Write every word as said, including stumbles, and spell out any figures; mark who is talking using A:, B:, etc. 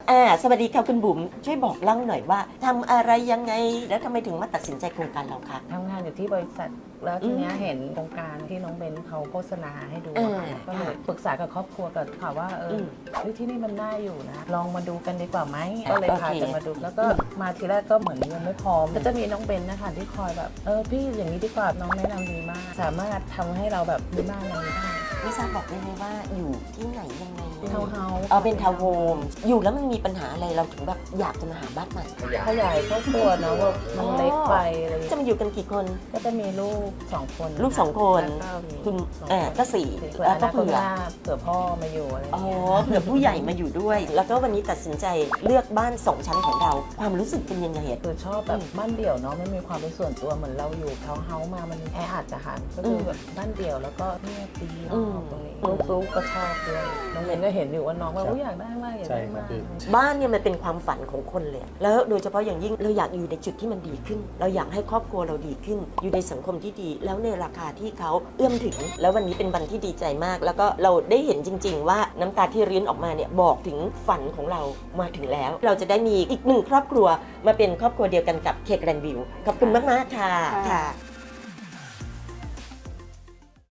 A: อ่าสวัสดีค่ะคุณบุ๋มช่วยบอกเล่าหน่อยว่าทำอะไรยังไงแล้วทำไมถึงมาตัดสินใจโครงการเราคะ
B: ทำงานอยู่ที่บริษัทแล้วทีเนี้ยเห็นโครงการที่น้องเบนเขาโฆษณาให้ดู
A: เออ
B: ก็เลยปรึกษากับครอบครัวกับค่ะว่าเอออ
A: ม
B: เฮ้ยที่นี่มันน่าอยู่นะ ลองมาดูกันดีกว่าไหมก็เลย
A: โอเค
B: พากันมาดู แล้วก็มาทีแรกก็เหมือนยังไม่พร้อมก็จะมีน้องเบนนะคะที่คอยแบบเออพี่อย่างนี้ดีกว่าน้องแนะนำดีมาก สามารถทำให้เราแบบมีบ้านอะไรได้
A: ไม่ทราบบอกได้ไหมว่าอยู่ที่ไหนยังไง
B: ทาวน์เฮาส์
A: เออเป็นทาวน์โฮมอยู่แล้วมันมีปัญหาอะไรเราถึงแบบอยากจะมาหาบ้านใหม่
B: ขยายครอบครัวเนาะว่ามันเล็กไปอะไรอย่าง
A: จะ
B: เงี้ย
A: มาอยู่กันกี่คน
B: ก็จะมีลูกสองคน
A: ลูกสองคน
B: แล้วก็มี
A: คุณ
B: สอง
A: อ่า
B: คน
A: ก็สี่
B: เผื่อ
A: แล้ว
B: อ
A: ก็
B: นาคต
A: เผื่อ
B: หน้าเผื่อพ่อมาอยู่อะไรอย่าง
A: อ๋อ
B: เงี้ย
A: เผื่อผู้ใหญ่มาอยู่ด้วย แล้วก็วันนี้ตัดสินใจเลือกบ้านสองชั้นของเรา ความรู้สึกเป็นยังไงอะ
B: คือชอบแบบบ้านเดี่ยวเนาะไม่มีความเป็นส่วนตัวเหมือนเราอยู่ทาวน์เฮาส์มามันแออัดอะค่ะก็คือแบบบ้านเดี่ยวแล้วก็เงียบดีเนาะตรงนี้ลูกๆก็ชอบด้วยน้องเบนก็เห็นอยู่ว่าน้องว่าอยากได้มากอยากได้มาก
A: บ้านเนี่ยมันเป็นความฝันของคนเลย แล้วโดยเฉพาะอย่างยิ่งเราอยากอยู่ในจุดที่มันดีขึ้น เราอยากให้ครอบครัวเราดีขึ้น อยู่ในสังคมที่ดี แล้วในราคาที่เขาเอื้อมถึง แล้ววันนี้เป็นวันที่ดีใจมาก แล้วก็เราได้เห็นจริง ๆ ว่าน้ำตาที่ริ้นออกมาเนี่ยบอกถึงฝันของเรามาถึงแล้ว เราจะได้มีอีกหนึ่งครอบครัวมาเป็นครอบครัวเดียวกันกับเคแกรนด์วิวขอบคุณมากๆค่ะค่ะ